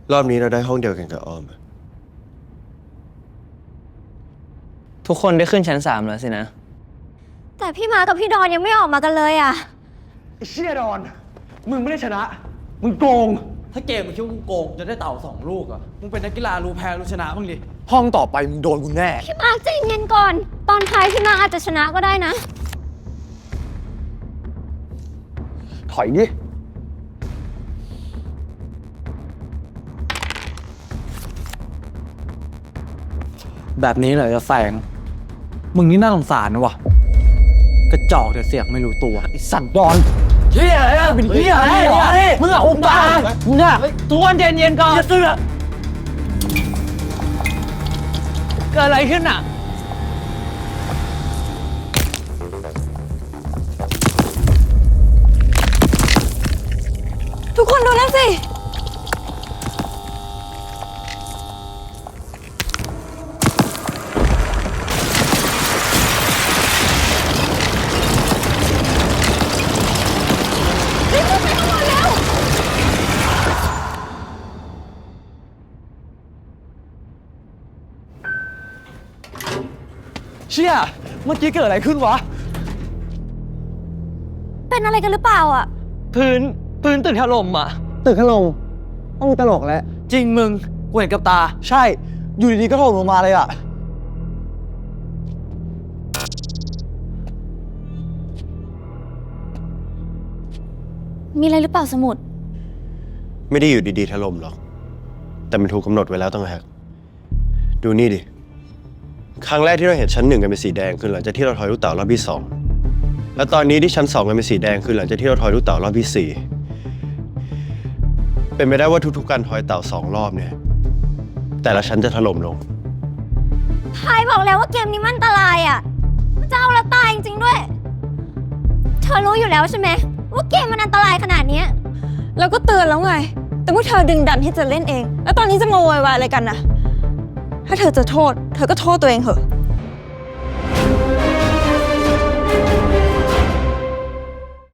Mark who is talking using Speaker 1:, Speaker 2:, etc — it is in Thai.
Speaker 1: รอบนี้เราได้ห้องเดียวกันกับออม
Speaker 2: ทุกคนได้ขึ้นชั้น3แล้วสินะ
Speaker 3: แต่พี่มากับพี่ดอนยังไม่ออกมากันเลยอ่ะ
Speaker 4: ไอ้เชี่ยดอน มึงไม่ได้ชนะ มึงโกง
Speaker 5: ถ้าเกมมึงคิดว่ามึงโกงจะได้เต่า2 ลูกอ่ะ มึงเป็นนักกีฬารู้แพ้รู้ชนะบ้างดิ
Speaker 4: ห้องต่อไปมึงโดนกูแน่
Speaker 3: พี่มาร์คใจเย็นก่อน ตอนท้ายพี่มาร์คอาจจะชนะก็ได้นะ
Speaker 4: ถอยดิ
Speaker 5: แบบนี้เหรอจะแซงมึงนี่น่าสงสารนะวะกระจอกแต่เสียกไม่รู้ตัวไอ้สัตว์ดอนเฮียอะไรอะเป็นเฮียอะไรมึงอะอุบามึงอะทุกคนเย็นๆก่อนอย่าเสือกเกิดอะไรขึ้นอะ
Speaker 3: ทุกคนดูนั่นสิรีบไปข้างบนแล้ว
Speaker 4: เชี่ย เมื่อกี้เกิดอะไรขึ้นวะ
Speaker 3: เป็นอะไรกันหรือเปล่าอ่ะ
Speaker 2: พื้นตึกถล่มอ่ะ
Speaker 4: ตึกถล่มต้องตลกแล้ว
Speaker 5: จริงมึงกูเห็นกับตา
Speaker 4: ใช่ อยู่ดีๆก็ถล่มลงมาเลยอะ
Speaker 3: มีอะไรหรือเปล่าสมุด
Speaker 1: ไม่ได้อยู่ดีๆถล่มหรอก แต่มันถูกกำหนดไว้แล้วต่างหากดูนี่ดิ ครั้งแรกที่เราเห็นชั้น 1กันเป็นสีแดงคือหลังจากที่เราทอยลูกเต๋ารอบที่ 2แล้วตอนนี้ที่ชั้น 2กันเป็นสีแดงคือหลังจากที่เราทอยลูกเต๋ารอบที่ 4เป็นไปได้ว่าทุกๆการทอยเต๋า2 รอบเนี่ยแต่ละชั้นจะถล่มลง
Speaker 3: ทายบอกแล้วว่าเกมนี้มันอันตรายอ่ะมันจะเอาละตายจริงๆด้วย เธอรู้อยู่แล้วใช่ไหมว่าเกมมันอันตรายขนาดเนี้ย
Speaker 6: แล้วก็เตือนแล้วไง แต่พวกเธอดึงดันที่จะเล่นเอง แล้วตอนนี้จะมาโวยวายอะไรกันนะถ้าเธอจะโทษ เธอก็โทษตัวเองเถอะ